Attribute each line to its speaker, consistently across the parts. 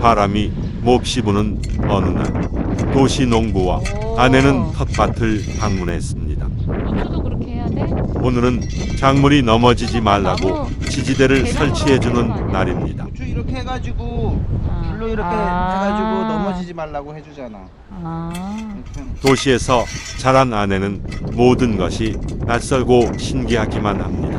Speaker 1: 바람이 몹시 부는 어느 날 도시 농부와 아내는 텃밭을 방문했습니다.
Speaker 2: 고추도 그렇게 해야 돼?
Speaker 1: 오늘은 작물이 넘어지지 말라고
Speaker 2: 나무
Speaker 1: 지지대를
Speaker 2: 계단으로
Speaker 1: 설치해주는
Speaker 2: 하는 거 아니야?
Speaker 1: 날입니다.
Speaker 3: 고추 이렇게 해가지고 줄로 이렇게 해가지고 넘어지지 말라고 해주잖아. 이렇게 해놓고.
Speaker 1: 도시에서 자란 아내는 모든 것이 낯설고 신기하기만 합니다.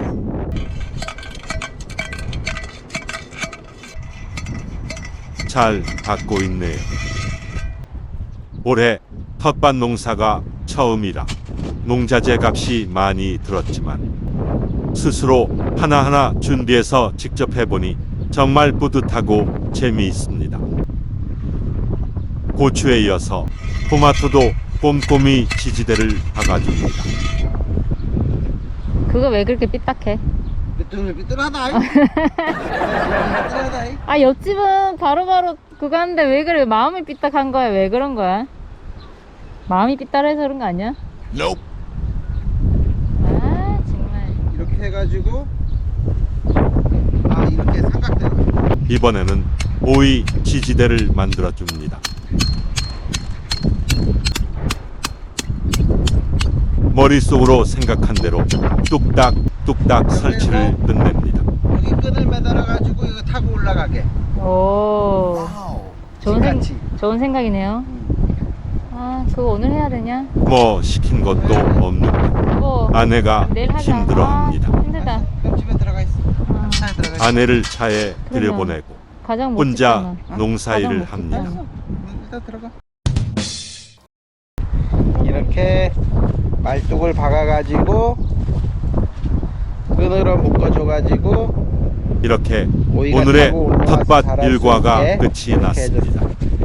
Speaker 1: 잘 받고 있네요. 올해 텃밭 농사가 처음이라 농자재 값이 많이 들었지만 스스로 하나하나 준비해서 직접 해보니 정말 뿌듯하고 재미있습니다. 고추에 이어서 토마토도 꼼꼼히 지지대를 박아줍니다.
Speaker 2: 그거 왜 그렇게 삐딱해?
Speaker 3: 삐뚤하다. 삐뚤하다.
Speaker 2: 아, 옆집은 바로바로 그거 하는데 왜 그래? 마음이 삐딱한 거야? 왜 그런 거야? 마음이 삐딱해서 그런 거 아니야? 아, 정말.
Speaker 3: 이렇게 해가지고 이렇게 삼각대로.
Speaker 1: 이번에는 오이 지지대를 만들어줍니다. 머릿속으로 생각한 대로 뚝딱 설치를 끝냅니다.
Speaker 3: 여기 끈을 매달아가지고 이거 타고 올라가게.
Speaker 2: 오,
Speaker 3: 신같이.
Speaker 2: 좋은 생각이네요. 아, 그거 오늘 해야 되냐?
Speaker 1: 뭐 시킨 것도 없는데
Speaker 2: 뭐
Speaker 1: 아내가
Speaker 2: 내일 하자.
Speaker 1: 힘들어합니다.
Speaker 2: 아, 힘들다.
Speaker 3: 그럼 집에 들어가 있어.
Speaker 2: 아,
Speaker 3: 차에 들어가 있어.
Speaker 1: 아내를 차에
Speaker 2: 그러면
Speaker 1: 들여보내고
Speaker 2: 가장
Speaker 1: 혼자
Speaker 2: 멋지잖아.
Speaker 1: 농사일을
Speaker 2: 가장
Speaker 1: 합니다.
Speaker 2: 멋지잖아.
Speaker 3: 일단 들어가. 이렇게 말뚝을 박아가지고 끈으로 묶어줘가지고
Speaker 1: 이렇게
Speaker 3: 오이가
Speaker 1: 오늘의
Speaker 3: 타고 올라와서
Speaker 1: 텃밭
Speaker 3: 자랄 수
Speaker 1: 일과가
Speaker 3: 있게
Speaker 1: 끝이
Speaker 3: 이렇게
Speaker 1: 났습니다.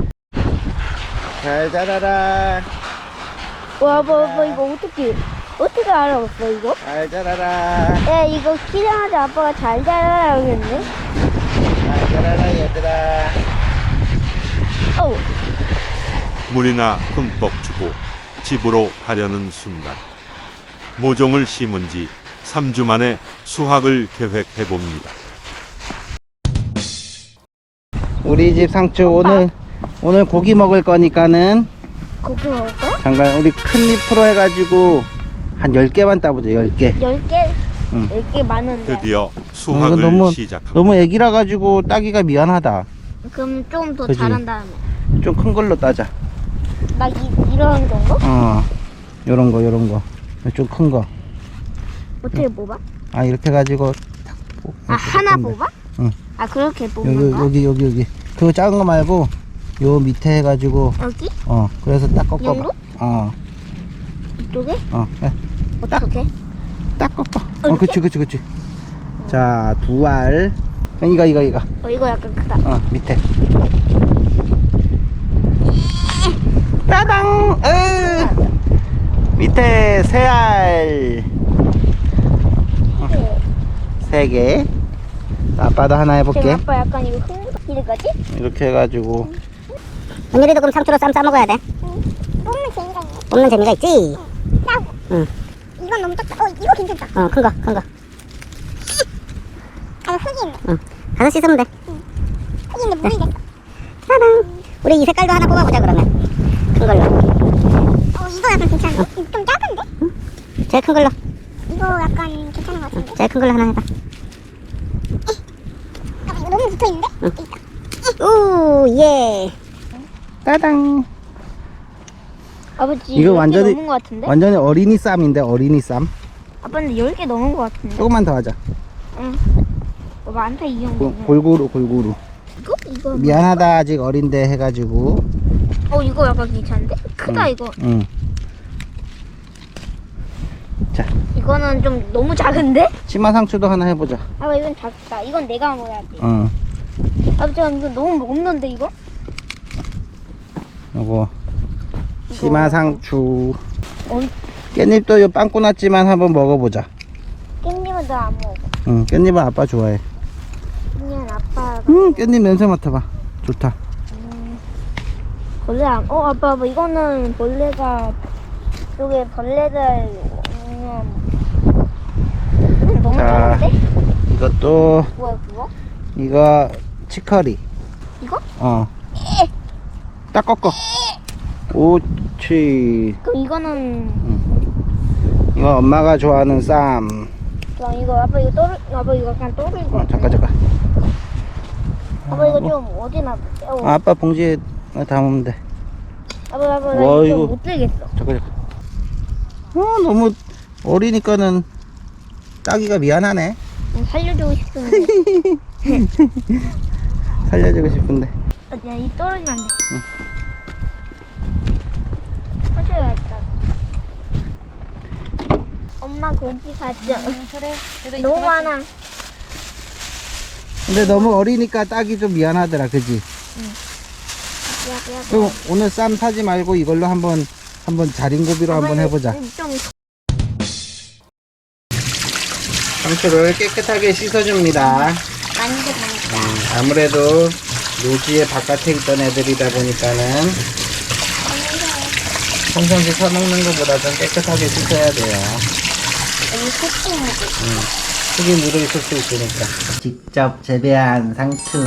Speaker 3: 잘 자라라.
Speaker 4: 와, 이거 어떻게 알아봤어, 이거?
Speaker 3: 잘 자라라.
Speaker 4: 야, 이거 키자마자 아빠가 잘 자라라고 했네?
Speaker 3: 잘 자라라 얘들아.
Speaker 4: 어우,
Speaker 1: 물이나 흠뻑 주고 집으로 가려는 순간 모종을 심은 지 3주 만에 수확을 계획해 봅니다.
Speaker 3: 우리 집 상추 오늘 고기 먹을 거니까는
Speaker 4: 고기 먹을 거야?
Speaker 3: 잠깐 우리 큰 잎으로 해가지고 한 10개만 따보자. 10개.
Speaker 4: 10개?
Speaker 3: 응.
Speaker 4: 10개 많은데.
Speaker 1: 드디어
Speaker 3: 이거
Speaker 1: 수확을 시작합니다.
Speaker 3: 너무 애기라 가지고 따기가 미안하다.
Speaker 4: 그럼 좀 더
Speaker 3: 그지?
Speaker 4: 자란 다음에.
Speaker 3: 좀 큰 걸로 따자.
Speaker 4: 막 이런 정도?
Speaker 3: 요런 거. 좀 큰 거.
Speaker 4: 어떻게 뽑아?
Speaker 3: 이렇게 해가지고
Speaker 4: 하나
Speaker 3: 뽑는데.
Speaker 4: 뽑아?
Speaker 3: 응.
Speaker 4: 그렇게 뽑는 거야?
Speaker 3: 여기. 그거 작은 거 말고 요 밑에 해가지고
Speaker 4: 여기?
Speaker 3: 그래서 딱 꺾어봐.
Speaker 4: 정도? 이쪽에?
Speaker 3: 네.
Speaker 4: 어떻게?
Speaker 3: 딱 꺾어. 그치. 자, 2알. 이거.
Speaker 4: 이거 약간 크다.
Speaker 3: 밑에. 따당! 밑에 3알. 3개. 아빠도 하나 해볼게.
Speaker 4: 지금 아빠 약간 이거 이거지?
Speaker 3: 이렇게 해가지고.
Speaker 5: 언니들도 그럼 상추로 쌈 싸먹어야 돼.
Speaker 4: 뽑는 재미가 있네.
Speaker 5: 뽑는 재미가 있지?
Speaker 4: 따고.
Speaker 5: 응.
Speaker 4: 이건 너무 작다. 이거 괜찮다.
Speaker 5: 큰 거.
Speaker 4: 흙이 있네.
Speaker 5: 응. 가서 씻으면 돼.
Speaker 4: 흙이 있는데 물이 됐어.
Speaker 5: 짜잔. 우리 이 색깔도 하나 뽑아보자, 그러면. 큰 걸로.
Speaker 4: 이거 약간 괜찮은데? 좀 작은데?
Speaker 5: 제일 큰 걸로.
Speaker 4: 이거 약간 괜찮은 것 같은데?
Speaker 5: 제일 큰 걸로 하나 해봐.
Speaker 4: 이거 너무 붙어있는데?
Speaker 5: 응. 오, 예.
Speaker 3: 따당.
Speaker 4: 아버지
Speaker 3: 이거
Speaker 4: 10개
Speaker 3: 완전히-
Speaker 4: 넘은 것 같은데?
Speaker 3: 완전히 어린이 쌈인데, 어린이 쌈.
Speaker 4: 아빠는 10개 넘은 것 같은데?
Speaker 3: 조금만 더 하자.
Speaker 4: 응. 많다 이 정도면.
Speaker 3: 골고루.
Speaker 4: 이거?
Speaker 3: 미안하다, 아직 어린데 해가지고.
Speaker 4: 이거 약간 괜찮은데? 크다
Speaker 3: 응.
Speaker 4: 이거.
Speaker 3: 응. 자,
Speaker 4: 이거는 좀 너무 작은데?
Speaker 3: 치마 상추도 하나 해보자.
Speaker 4: 이건 작다. 이건 내가 먹어야지.
Speaker 3: 응.
Speaker 4: 아버지 이거 너무 없는데 이거?
Speaker 3: 요거. 치마 상추.
Speaker 4: 어?
Speaker 3: 깻잎도 요 빵꾸 났지만 한번 먹어보자.
Speaker 4: 깻잎은 너 안 먹어.
Speaker 3: 응, 깻잎은 아빠 좋아해.
Speaker 4: 깻잎은 아빠가.
Speaker 3: 깻잎 냄새 맡아봐. 좋다.
Speaker 4: 벌레 안. 아빠 이거는 벌레가 여기 벌레들 너무
Speaker 3: 자.
Speaker 4: 작은데?
Speaker 3: 이것도,
Speaker 4: 뭐야 그거?
Speaker 3: 이거 치커리.
Speaker 4: 이거?
Speaker 3: 딱 꺾어. 오치.
Speaker 4: 그럼 이거는
Speaker 3: 이거 엄마가 좋아하는 쌈.
Speaker 4: 그럼 이거 아빠 이거 그냥 또르는 거.
Speaker 3: 잠깐.
Speaker 4: 아빠 이거 좀 어디 놔둘게.
Speaker 3: 아빠 봉지에 담으면 돼.
Speaker 4: 아빠 나
Speaker 3: 와,
Speaker 4: 이거
Speaker 3: 이거.
Speaker 4: 못 들겠어.
Speaker 3: 잠깐. 너무 어리니까는 따기가 미안하네.
Speaker 4: 살려주고 싶은데.
Speaker 3: 살려주고 싶은데.
Speaker 4: 야, 이 떨어지면 안 돼. 터져야겠다. 엄마 고기 가져.
Speaker 2: 그래.
Speaker 4: 너무 많아.
Speaker 3: 근데 너무 어리니까 따기 좀 미안하더라, 그지?
Speaker 4: 야.
Speaker 3: 그럼 오늘 쌈 사지 말고 이걸로 한번 자린고비로 한번 해보자.
Speaker 4: 좀
Speaker 3: 상추를 깨끗하게 씻어줍니다.
Speaker 4: 많이 들어가니까.
Speaker 3: 아무래도 노지의 바깥에 있던 애들이다 보니까는 평상시 사먹는 것보다 좀 깨끗하게 씻어야 돼요.
Speaker 4: 여기 소금 묻어.
Speaker 3: 흙이 묻어 있을 수 있으니까. 직접 재배한 상추.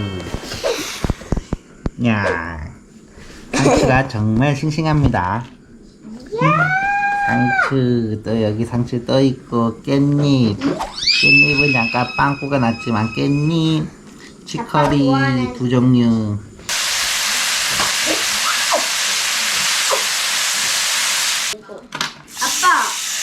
Speaker 3: 야, 상추가 정말 싱싱합니다. 상추, 또 여기 상추 떠 있고 깻잎. 깻잎은 약간 빵꾸가 났지만 깻잎, 치커리 두 종류.
Speaker 4: 아빠.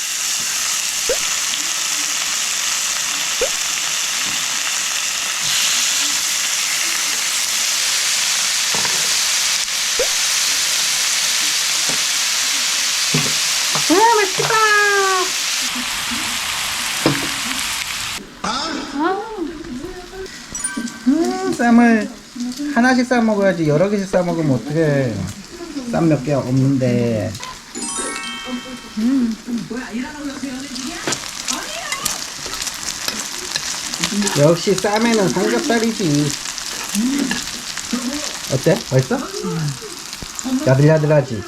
Speaker 3: 쌈을 하나씩 싸 먹어야지 여러 개씩 싸 먹으면 어떡해. 쌈 몇 개 없는데. 역시 쌈에는 삼겹살이지. 어때? 맛있어? 야들야들하지?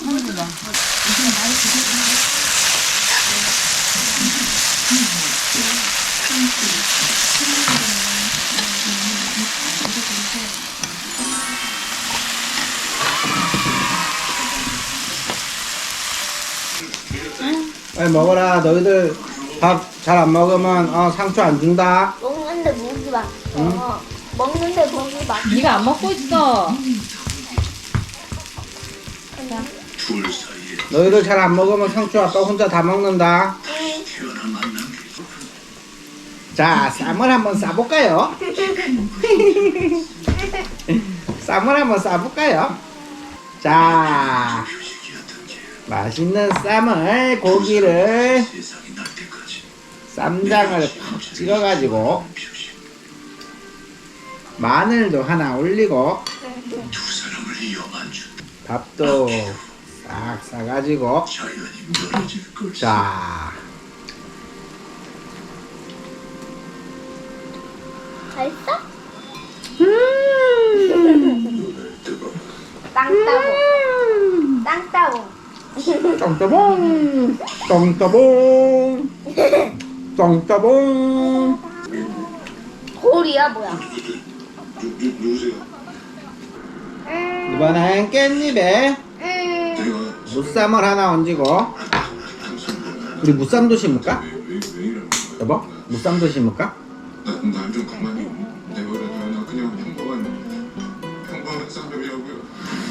Speaker 3: 빨리 먹어라. 너희들 밥 잘 안 먹으면 상추 안 준다.
Speaker 4: 먹는데 목이 막혀. 먹는데 목이 막혀.
Speaker 2: 네가 안 먹고 있어.
Speaker 3: 너희들 잘 안 먹으면 상추 아빠 혼자 다 먹는다. 자, 쌈을 한번 싸볼까요? 쌈을 한번 싸볼까요? 자, 맛있는 쌈을, 고기를 쌈장을 팍 찍어가지고 마늘도 하나 올리고 밥도 싹 싸가지고 자,
Speaker 4: 맛있어? 땅따봉. 땅따봉.
Speaker 3: 똥따봉 똥따봉 똥따봉.
Speaker 4: 돌이야 뭐야?
Speaker 3: 이번엔 깻잎에 무쌈을 하나 얹고, 우리 무쌈도 심을까? 여보? 무쌈도 심을까?
Speaker 6: 난좀 가만히 내버려둬. 나 그냥 평범한 쌍둥이라고요.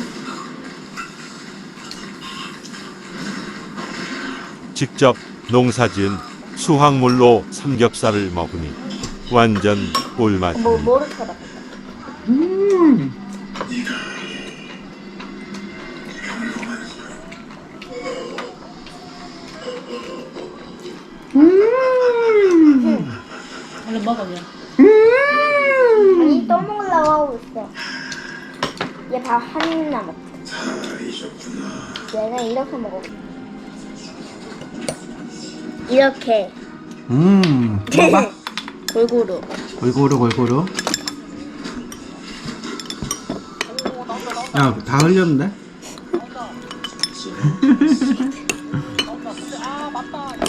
Speaker 1: 직접 농사지은 수확물로 삼겹살을 먹으니 완전 꿀맛입니다.
Speaker 4: 뭐를 쳐다?
Speaker 2: 얼른 먹어 그냥.
Speaker 4: 아니 또 먹으려고 하고 있어. 얘 밥 한 입 남았어. 얘는 이렇게 먹어. 이렇게
Speaker 3: 먹어봐.
Speaker 4: 골고루.
Speaker 3: 골고루. 야, 다 흘렸는데?